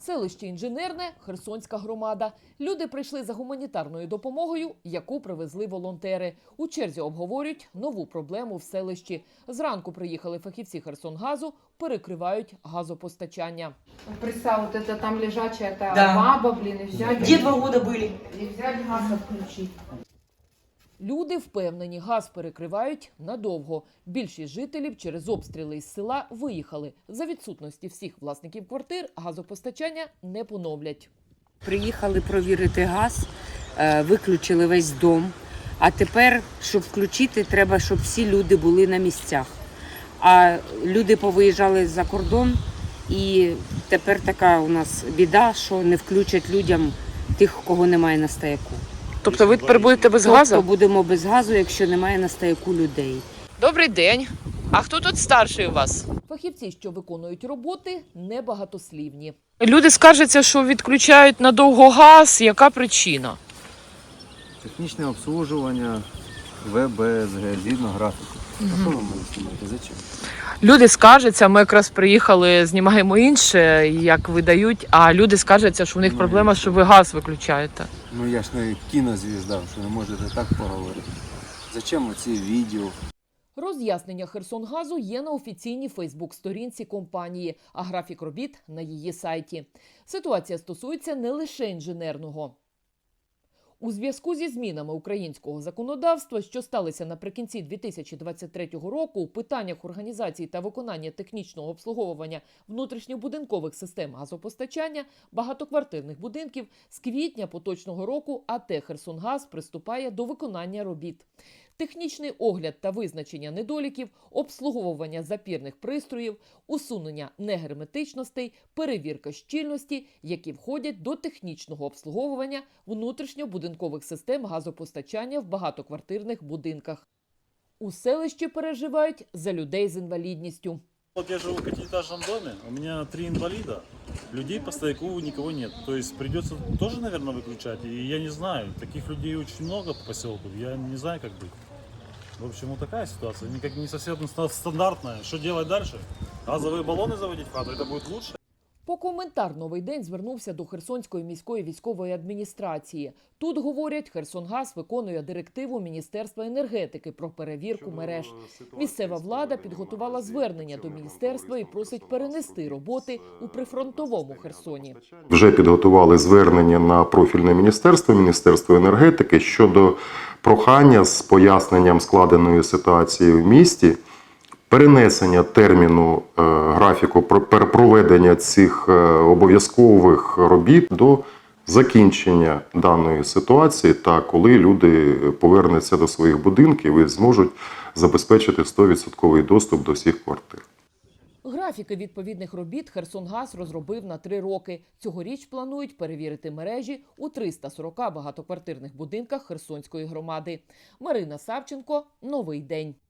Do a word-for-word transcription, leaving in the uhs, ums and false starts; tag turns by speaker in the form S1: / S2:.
S1: Селище Інженерне, Херсонська громада. Люди прийшли за гуманітарною допомогою, яку привезли волонтери. У черзі обговорюють нову проблему в селищі. Зранку приїхали фахівці Херсонгазу, перекривають газопостачання.
S2: Представь, вот это там лежачая, это
S3: Да.
S2: баба, блин, и взять...
S3: Где два года были?
S2: И взять газ отключить.
S1: Люди впевнені, газ перекривають надовго. Більшість жителів через обстріли із села виїхали. За відсутності всіх власників квартир газопостачання не поновлять.
S4: Приїхали провірити газ, е, виключили весь дом. А тепер, щоб включити, треба, щоб всі люди були на місцях. А люди повиїжджали за кордон, і тепер така у нас біда, що не включать людям тих, кого немає на стояку.
S1: Тобто ви тепер будете без
S4: Тобто будемо без газу, якщо немає на стояку людей.
S1: Добрий день. А хто тут старший у вас? Фахівці, що виконують роботи, небагатослівні.
S5: Люди скаржаться, що відключають надовго газ. Яка причина?
S6: Технічне обслуговування В Б С Г згідно графіку. А що ви мене знімаєте? Зачем?
S5: Люди скаржаться, ми якраз приїхали, знімаємо інше, як видають, а люди скаржаться, що у них
S6: Ну,
S5: проблема, що ви газ виключаєте.
S6: Ну я ж не кінозвізда, що не можете так поговорити. Зачем оці відео?
S1: Роз'яснення Херсонгазу є на офіційній фейсбук-сторінці компанії, а графік робіт – на її сайті. Ситуація стосується не лише інженерного. У зв'язку зі змінами українського законодавства, що сталися наприкінці дві тисячі двадцять третього року, у питаннях організації та виконання технічного обслуговування внутрішньобудинкових систем газопостачання багатоквартирних будинків з квітня поточного року А Т «Херсонгаз» приступає до виконання робіт. Технічний огляд та визначення недоліків, обслуговування запірних пристроїв, усунення негерметичностей, перевірка щільності, які входять до технічного обслуговування внутрішньобудинкових систем газопостачання в багатоквартирних будинках. У селищі переживають за людей з інвалідністю.
S7: Вот я живу в пятиэтажном доме, у меня три инвалида, людей по стояку никого нет. То есть придется тоже, наверное, выключать. И я не знаю, таких людей очень много по поселку, я не знаю, как быть. В общем, вот такая ситуация, никак не совсем стандартная. Что делать дальше? Газовые баллоны заводить в хату, это будет лучше?
S1: По коментар «Новий день» звернувся до Херсонської міської військової адміністрації. Тут, говорять, Херсонгаз виконує директиву Міністерства енергетики про перевірку мереж. Місцева влада підготувала звернення до міністерства і просить перенести роботи у прифронтовому Херсоні.
S8: Вже підготували звернення на профільне міністерство, Міністерство енергетики щодо прохання з поясненням складеної ситуації в місті, перенесення терміну е, графіку проведення цих е, обов'язкових робіт до закінчення даної ситуації та коли люди повернуться до своїх будинків і зможуть забезпечити сто відсотків доступ до всіх квартир.
S1: Графіки відповідних робіт Херсонгаз розробив на три роки. Цьогоріч планують перевірити мережі у триста сорока багатоквартирних будинках Херсонської громади. Марина Савченко, «Новий день».